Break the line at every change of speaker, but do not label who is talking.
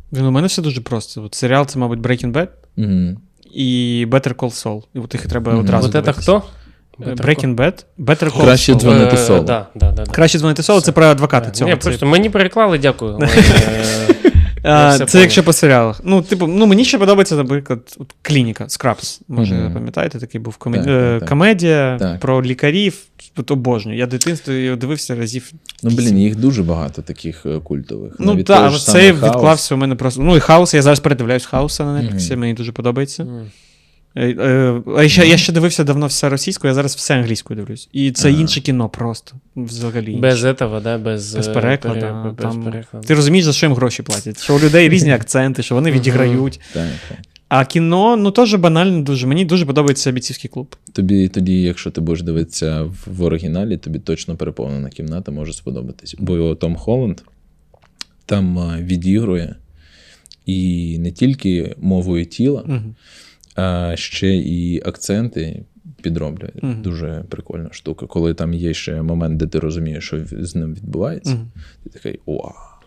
Він у мене все дуже просто. От серіал це, мабуть, Breaking Bad і Better Call Saul. І от їх треба одразу
Вот це
дивитися.
хто?
Breaking Bad, Better Call
Краще
Saul.
дзвонити Солу.
Да.
Краще дзвонити Солу, це про адвоката цього.
Ні, просто мені переклали, дякую.
Це якщо по серіалах. Ну, типу, мені ще подобається, наприклад, Клініка, Scrubs. Може, пам'ятаєте, такий був комедія про лікарів. Тут обожнюю. Я дитинство його дивився разів.
Їх дуже багато таких культових.
Ну так, але цей відклався у мене просто. Ну і Хаус, я зараз передивляюсь Хауса на Netflix, мені дуже подобається. Я ще дивився давно все російською, я зараз все англійською дивлюсь. І це інше кіно просто. Взагалі.
Без этого, да? Без
перекладу. Ти розумієш, за що їм гроші платять? Що у людей різні акценти, що вони відіграють.
Так.
А кіно, теж банально дуже. Мені дуже подобається «Бійцівський клуб».
Тобі тоді, якщо ти будеш дивитися в оригіналі, тобі точно переповнена кімната може сподобатись. Бо Том Холланд там відігрує і не тільки мовою тіла, а ще і акценти підроблює. Дуже прикольна штука. Коли там є ще момент, де ти розумієш, що з ним відбувається, ти такий, вау.